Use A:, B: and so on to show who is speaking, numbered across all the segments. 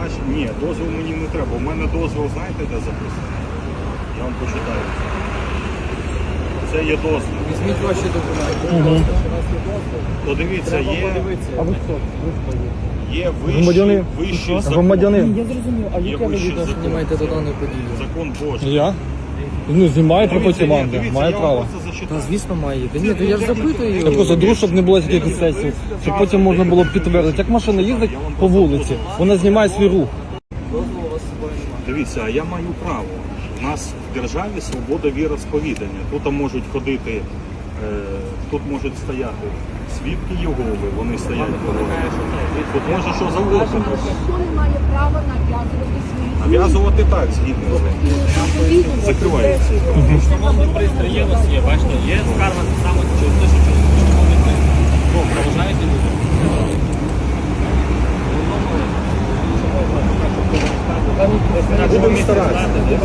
A: значить, ні, дозвіл мені не треба. У мене дозвіл, знаєте, де записано? Я вам почитаю. Це є дозвіл.
B: Візьміть ваші документи.
A: То дивіться,
B: А ви хто?
A: є
C: Громадянин.
A: вищий закон.
C: Громадянин.
B: Я зрозумів, а
A: Є
B: яке ви
A: вищий
B: відношення
A: закон.
B: маєте до даної події?
A: Закон Божий.
C: Я? Ну, знімаєте
A: Дивіться,
C: потім
A: ні,
C: вам,
A: дивіться,
C: має
A: я вам
C: право.
A: просто
B: Та
A: зачитаю.
B: звісно має. Та ні, то я ж запитую.
C: Це просто друг, щоб не було таких ексцесів. Щоб потім можна було підтвердити. Як машина їздить по вулиці, вона знімає свій рух.
B: Дозволу у вас з собою немає.
A: Дивіться, а я маю право. У нас в державі свобода віросповідання. Тут можуть ходити, тут можуть стояти свідки Єгови, вони стоять поруч. Тут може що завгодно.
D: Ніхто не має права нав'язувати свої
A: Нав'язувати так, згідно з ним. Закривається.
E: Встановлений пристрій є у вас є, бачите, є скарга саме через те, що встановлений пристрій. Ну, проважаєте люди.
A: Будемо старатися.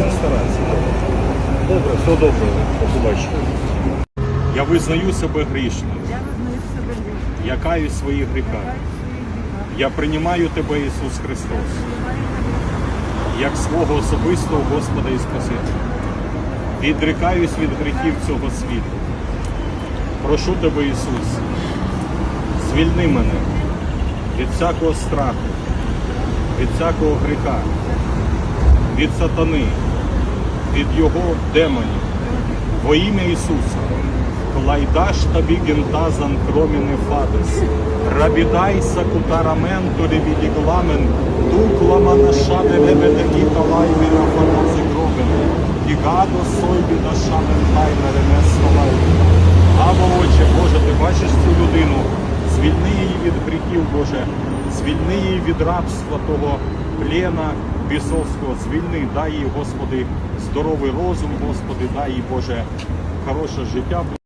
A: Добре, все добре. До побачення. Я визнаю себе грішним. Я каюсь в своїх гріхах. Я приймаю тебе, Ісус Христос, як свого особистого Господа і Спасителя. Відрікаюсь від гріхів цього світу. Прошу тебе, Ісус, звільни мене від всякого страху, від всякого гріха, від сатани, від його демонів. Во ім'я Ісуса. Клайдаш тобі гентазан кроміне фадес. Рабідайся кутараменту ревідігламен. Дуклама нашаде лебедегі талайві на фанази гробен. Гігадо сойбі на шамен тайна ремес талайві. Або, Отче, Боже, ти бачиш цю людину. Звільни її від гріхів, Боже. Звільни її від рабства того плена бісовського. Звільни, дай їй, Господи, здоровий розум, Господи, дай їй, Боже, хороше життя.